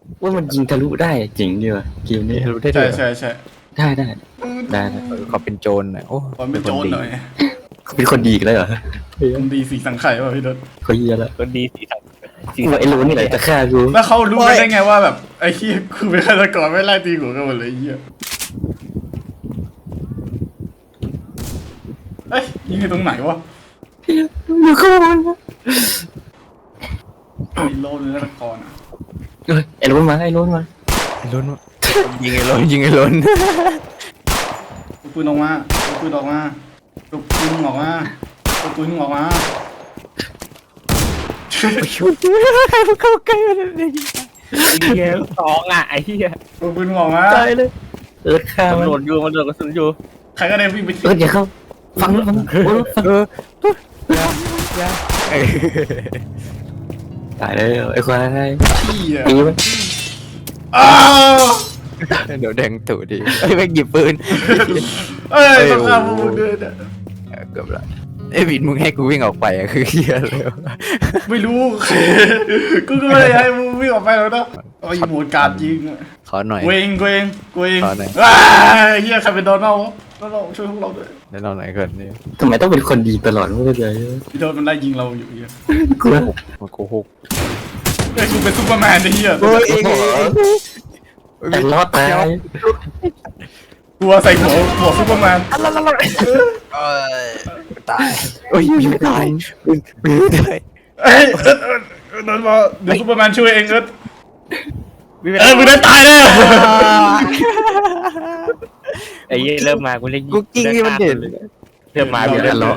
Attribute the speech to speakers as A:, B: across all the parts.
A: ว่ามันยิงทะลุได้จริงดีว่ะเกมนี้
B: รู้ได้ด้
C: ใช่
B: วย
C: ใช่ใช่
A: ได้ได้ได้
B: เขาเป็นโจรนะโอ้
C: ผมเป็นโจรหน่อย
A: เขาเป็นคนดีกันเลยเหรอ
C: ผมดีสีสังไข่ป่ะพี่ดด
A: เขาเยียแล้ว
D: คนดีสีสันสี
A: กูว่าไอ้รู้นี่แหละจะฆ่ากู
C: แล้วเขารู้ได้ไงว่าแบบไอ้เหี้ยกูเป็นฆาตกรไม่ไล่ตีหัวกันหมดเลยไอ้เหี้ยเอ้ยยิงให้ตรงไหนวะ
A: อยู่ข้างบน
C: มีโลนึงฆาตกรอ่ะ
A: เฮ้ยไอ้รู้มาไอ้รู้มา
B: ไอ้ล้นวะยิงไอ้ล้นยิงไอ้ล้น
C: ลูกปืนออกมาลูกปืนออกมาลูกปืนออกมาลูกปืนออกมา
B: เข้าใกล้มันเลย
D: ไอ้เหี้ยสองอ่ะไอ้เหี้ย
C: ลูกปืนออกมา
A: ตายเลยฆ่า
D: มัน
A: มัน
D: โดนอยู่มันโดนกระสุนอยู่
C: ใครก็ได้วิ่งไป
A: อย่าเข้าฟังแล้วฟังฟัง
B: เอ้ย
A: ตายเลยไอ้ควาย
C: ที่อ่ะ
A: ตีมัน
C: อ้าว
B: เดี๋ยวแดงตู่ดิไอ้แม่งหยิบปืน
C: เอ้ยต้องฆ่าพวกมึงด้วยเนี่ย
B: เกือบละไอ้บินมึงให้กูวิ่งออกไปอะคือเฮียเลย
C: ไม่รู้ กูก็ไม่ได้ให้มึงวิ่งออกไปแล้วนะเอาอีโหมดการยิงอะ
B: ขอหน่อย
C: เวงเวงเวง
B: ขอหน่อย
C: ว้าเฮียใครเป็นโดนัลด์วะโดนัลด์ช่วยพวกเราด้วย
B: แนะนำหน่อยก่อนนี่
A: ทำไมต้องเป็นคนดีตลอดไม่เข้าใจ
C: พี่โดนมันไล่ยิงเราอยู่เฮีย
A: กูว่า
B: มาโกหก
C: เฮ้ยกูเป็นซูเปอร์แมนไอ้เฮีย
A: แต่รอดตาย
C: กลัวใส่หัวซูเปอร์แมน
B: ตายโอ้ยบินไม่ตายบินไม่ตาย
C: เอ้ยโดนมาเดี๋ยวซูเปอร์แมนช่วยเองเอิร์ธ
D: วิ่งไป
C: มึงได้ตายแน่
D: ไอ้เหี้ยเริ่มมากูเล่น
B: กูกิ้งนี่มันเด่น
D: เริ่มมากูเล่นเลย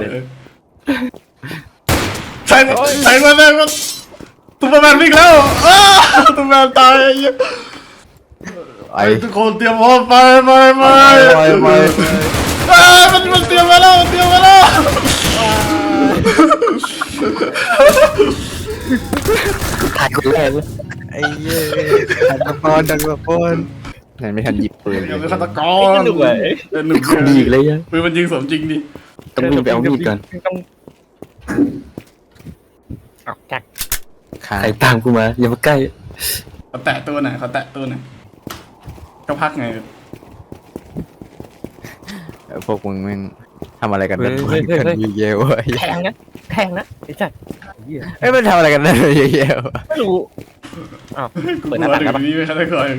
C: ใส่มาใส่มาแม่งมันซูเปอร์แมนวิ่งแล้วอ้าวซูเปอร์แมนตายไอ้เหี้ย
B: ไอ้
C: ทุกคนเตรียมพร้อมไป
B: ไป
C: มันเตรียมมาแล้วมันเตรียมมาแล้ว
A: ตายคนแรกเลย
B: ไอ้เย้ดังตะปอนนั่นไม่ทันหยิบปืน
C: เดี๋ยวเป็นฆาตก
D: ไอ้
C: ร
D: หนุ่มเลย
C: หนุ่ม
A: คนดีเลยยัง
C: ปืนมันยิงสมจริงดิ
A: ต้องวิ่งไปเอามีดก่อน
D: ต้องออกจาก
B: ขา
A: ใครตามกูมาอย่ามาใกล้
C: เขาแตะตัวไหนเขาแตะตัวไหนก็พักไง
B: พวกมึงแม่งทำอะไรกันนั่นกันเยอะๆวะ
D: แทงนะแทงนะไอ้สัตว์เหี้ย
B: เอ้ยมันทำอะไรกันนั่นเยอะๆ
D: ไม่รู้อ้าว
C: กู
D: เปิด
C: ก
D: หน้า
C: ลัว
D: ต่าง
C: ถึ
D: กันปะ
C: งนี้ไม่ฆาตกร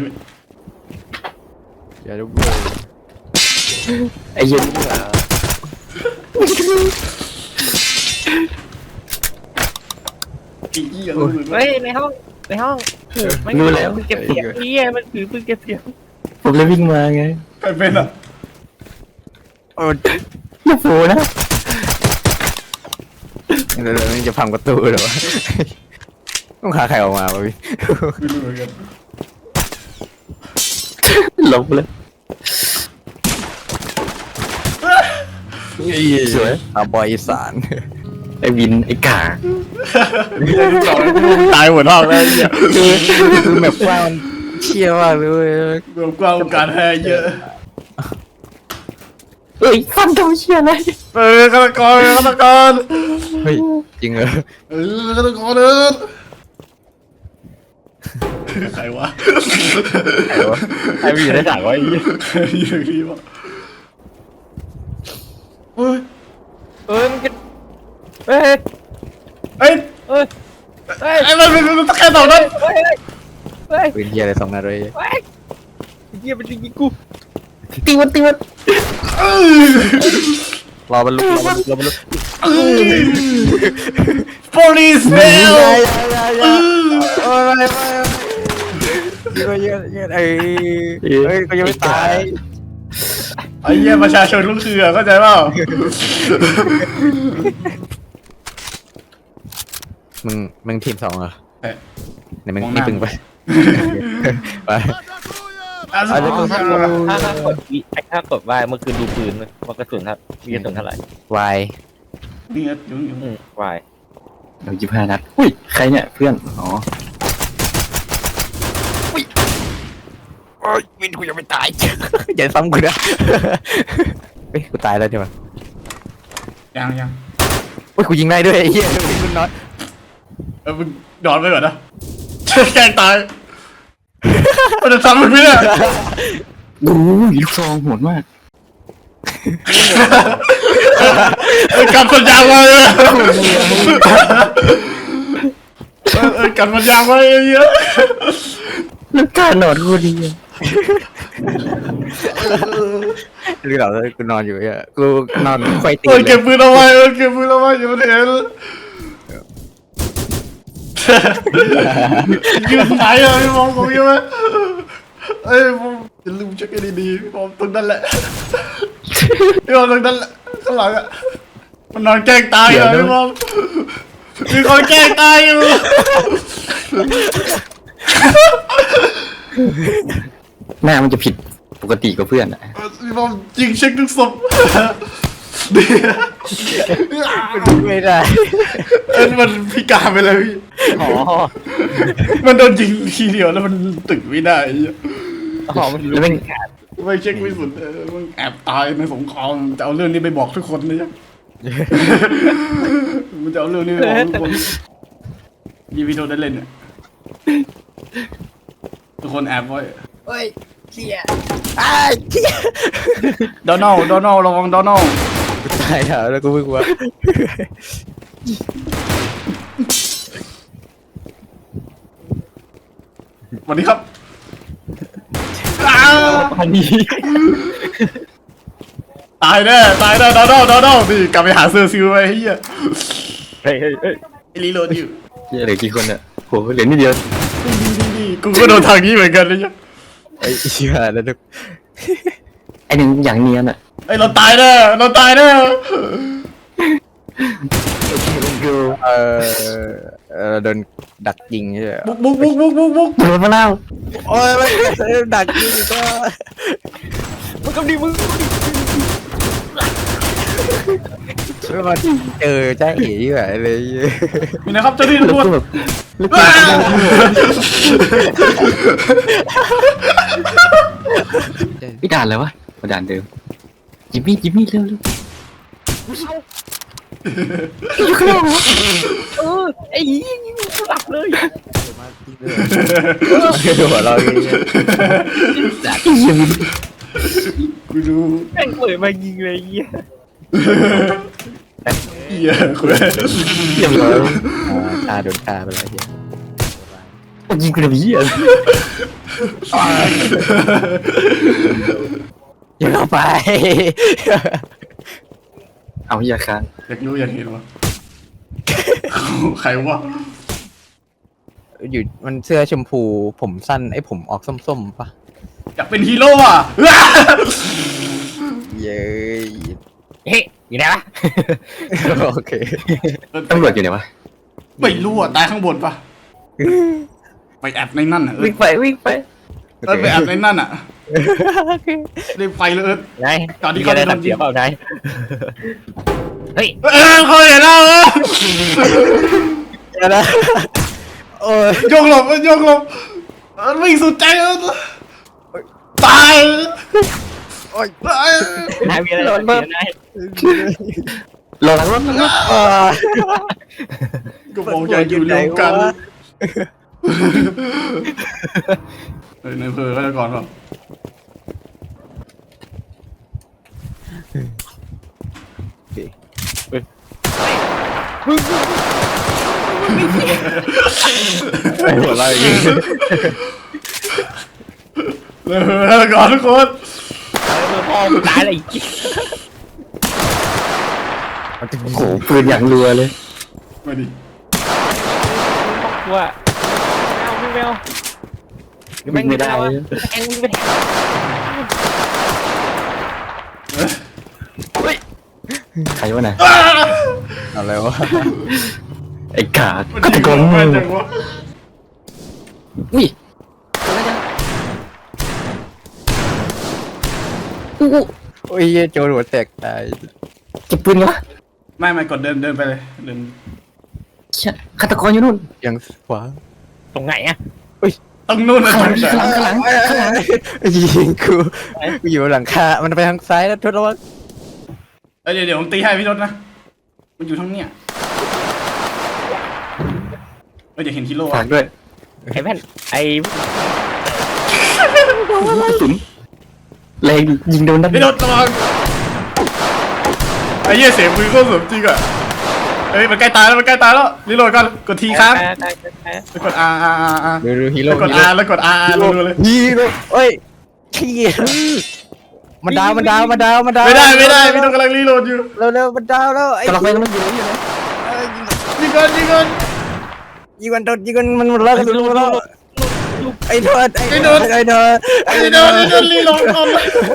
B: อย่าดู
A: ไอ้เหี้ย
C: อีเหี้ย
D: เฮ้ยในห้องไม่ปืนเก็บเสียงเหี้ยมันถือปืนเก็บเสียง
A: ผมเลยวิ่งมาไง
C: ใครเป็นอ่ะ
A: อย่าโผล่นะ
B: เราจะพังประตูเหรอวะต้องหาใครออกมาวะพี่
C: ไม่รู้เหมือนกัน
A: หลบเลย สวย
B: อาบอยอีสาน
A: ไอ้วินไอ้กา
C: ตายหัวทองแล้วเหี้ย
B: คือแบบว่ามันเชี่ยมากเลย
C: รวมกว้างการแพ้เยอะ
A: เอ้ยฟันทำเชี่ยอะไร
C: ฆาตกรฆาตกร
B: เฮ้ยจริงเหรอ
C: ฆาตกรเดินใครวะ
D: ไอ้พี่ได้ถามว่าไอ้เหี้ย
C: อยู่ที่วะเฮ้ย
D: มันจะเฮ้ย
C: เอ้ย
D: เฮ้ยเฮ้ย
C: ไอ้มันตะแคงต่อนั้น
D: เฮ้ยเฮ้ย
B: ปืนเฮียอะไรสองนัดเลย
D: เฮ้ยเหี้ยมันจะยิงกู
A: ตีมัน
B: รอมันลุก
C: police fail
B: โอ้ยไม่เยอะเอ้ยก็ยังไม่ตาย
C: ไอ้เหี้ยประชาชนลูกเรือเข้าใจเปล่า
B: มึงทีมสองเหรอ
C: เอ้ย
B: ไหนมึงนี่ปึงไปไป
C: อ่ะ
D: ถ้ากดว่าเมื่อคืนดูปืนว่ากระสุนครับมีกระสุนเท่าไหร่
B: วาย
C: นี่อยู่
D: วาย
A: เดี๋ยว25 นัดอุ้ยใครเนี่ยเพื่อนอ๋อ
B: โอ้ยวินกูยังไม่ตายอย่าซ้ำกูนะเฮ้ยกูตายแล้วใช่ไหม
C: ยัง
B: โอ้ยกูยิงได้ด้วยไอ้เหี้ยมึงน้อย
C: มึงนอนไปก่อนนะแกล้งตายมันจะทำมันไม่ได้
A: โอ้ยลูกซองโหดมาก
C: กันสัญญาไว้กันสัญญาไว้เยอะ
A: แล้วการนอนกูดีอะ
B: หรือเรากูนอนอยู่เนี่ยกูนอนไฟตี
C: เก็บปืนเอาไว้เก็บปืนเอาไว้อย่ามาเห็นยืนไหนอะพี่มองผมยังไงเอ้ยผมอย่าลืมเช็คให้ดีๆผมตรงนั้นแหละพี่มองตรงนั้นแหละข้างหลังอะมันนอนแกล้งตายอะพี่มองมีคนแกล้งตายอยู่
A: หน้ามันจะผิดปกติกับเพื่อนอะ
C: พี่มองยิงเช็คทุกศพ
B: ไม่ได้
C: มันพิการไปเลยพี่
B: อ๋อ
C: มันโดนยิงทีเดียวแล้วมันตึกไม่ได้
B: อ๋อมัน
A: แล้วแม่ง
C: ไม่เช็คไม่สุดมันแอบตายในสงครามจะเอาเรื่องนี้ไปบอกทุกคนนะจ๊ะ มันจะเอาเรื่องนี้ไปบอกทุกคนยีวีโดได้เล่นเนี่ยทุกคนแอบไว้
B: เฮ้ยเชี่ยอ้ายเชี่ย
C: โดนัลระวังโดนัล
B: ตายแล้วกูไม่กลัว
C: สวัสดีครับ
A: พันนี้
C: ตายแน่โดนัลนี่กลับไปหาเซอร์ซิลไปเฮีย
B: เฮ้ย
C: ไอ้รีโหลดอยู่
A: เหลือกี่คนอะโหเหลือนิดเดียว
C: นี่กูก็โดนทางนี้เหมือนกันนะจ๊ะ
B: ไอ้เชี่ยแล้วทุก
A: ไอหนึ่งอย่างเนียนอะ
C: ไอ้เราตายแน่
B: โดนดักยิงใช่ไหม
C: บุก
A: โดนมาแล้ว
B: โอ้ยมันดักยิงก็มึงก็ดีมึงไม่มาเจอจ้าเอ๋แบบเลย
C: มีนะครับเจ้าหน้าที่
A: แล้ว
C: ตำรวจ
A: ก็แบบแล้วก็พี่ด่านอะไรวะมาด่านเดิมจิมมี่เร็วอยู่ข้างนอกเหรอ
B: ไอ้ยิงหลับเลยหัวเราอย่างเงี้ย
C: กูดู
B: แม่งเปิดมายิงเลยเงี้ย
C: เหี้ยคุณ
A: เรียบร้อย
B: ตาโดนตาไปแล้วเฮีย
A: ยิงกระบี่อะ
B: อย่าเข้าไป
A: เอาอย่าค้าง
C: อยากรู้อยากเห็นวะใครวะ
B: อยู่มันเสื้อชมพูผมสั้นไอ้ผมออกส้มๆปะ
C: อยากเป็นฮีโร่อ่ะ
B: เย้ย
A: เฮ้ยอยู่ไหนวะ
B: โอเค
A: ตำรวจอยู่ไหนวะ
C: ไม่รู้อ่ะตายข้างบนปะไปแอบในนั่นอ่ะ
A: วิ่งไป
C: ไปแอบในนั่นอ่ะ
B: โอเค
C: รีบไปเลย
A: นาย
C: ตอนที่เขา
A: ได้
C: โดน
A: ตัด
C: ยิ
A: เสี
C: ง
A: ยเปล่านายเฮ้ย
C: เขาเห็นแล้ว
B: เดี๋ยวนะโอ้ย
C: โยกหลบวิ่งสุดใจตาย
B: โอ้ย
A: นายมีอะไรตัดเสียนายรอหลังรถ
C: ก็บอกอย่าอยู่รวมกันในอำเภอเขาจะก่อนเปล่า
B: หัวเราอย่างงี้
C: แล้วก่อนทุกคน
B: พ่อมึงตายเลย
A: โอ้โหปืนอย่างรัวเลย
C: มาดิ
B: ว่าแมว
A: วิ่งไม่ได้
B: แองไม่ได้
A: ใครวะน่ะ
B: อะไรวะ
A: ไอ้กา
C: มัน
A: ก็
C: ยิ
A: ตะ
C: ง
A: โกน
C: แม่นจังวะ
A: อุ้ยอู้
B: โอ้ยโจรหัวแตกตาย
A: เก็บปืนวะ
C: ไม่กดเดินไปเลยเดิน
A: เชี่ยฆาตกรอยู่นู่น
B: ยังขวา
A: ตรงไหนอะ
C: ต้องนู่นนะ
A: ข้างหลัง
B: ยิงกูอยู่หลังคามันไปทางซ้ายแล้วทดระวัง
C: เดี๋ยวผมตีให้พี่รถนะมันอยู่ทั้งเนี้ยอย่าเห็นฮีโร่
A: ฝากด้วย
D: ไอ้แม่นไอ้
A: กระสุนแรงยิงโดนนั่น
C: ไอ้โดนระวังไอ้เหี้ยเสียงปืนก็สมจริงอ่ะเฮ้ยมันใกล้ตายแล้วมันใกล้ตายแล้วรีโหลดก่อนกดทีค้างแล้วกด R R R R
B: ดูฮีโร่
C: แล้วกด R แล้วกด R R รัวๆเลย
B: ฮีโร่เอ้ยขี้มันดาวมันดาวมันดาวมันดาว
C: ไม่ได้พี่ต้องกำลังรีโหลดอยู่
B: เร็วมันดาวแล้วไอ้
A: กำลังไปมันอยู่ไหน
C: ยิงก่อน
B: ยิงกันมันหมดแล้วกันรู้แล้วไอ้โดนไอ้โดน
C: ไอ้โดนรีโหลดก่อน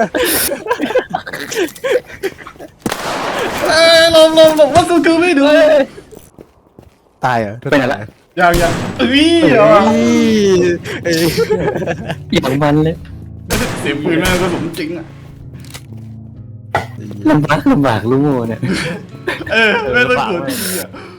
C: ลมว่ากูคือไม่ดู
B: ตายเหรอ
A: ไปไหนละ
C: ยังเอ้ย
A: อย่างมันเลย
C: เสียงปืนแม่งก็สมจริงอ่ะ
A: ลำบากลูกโม่เนี่ย
C: ไม่ต้องกดทีอ่ะ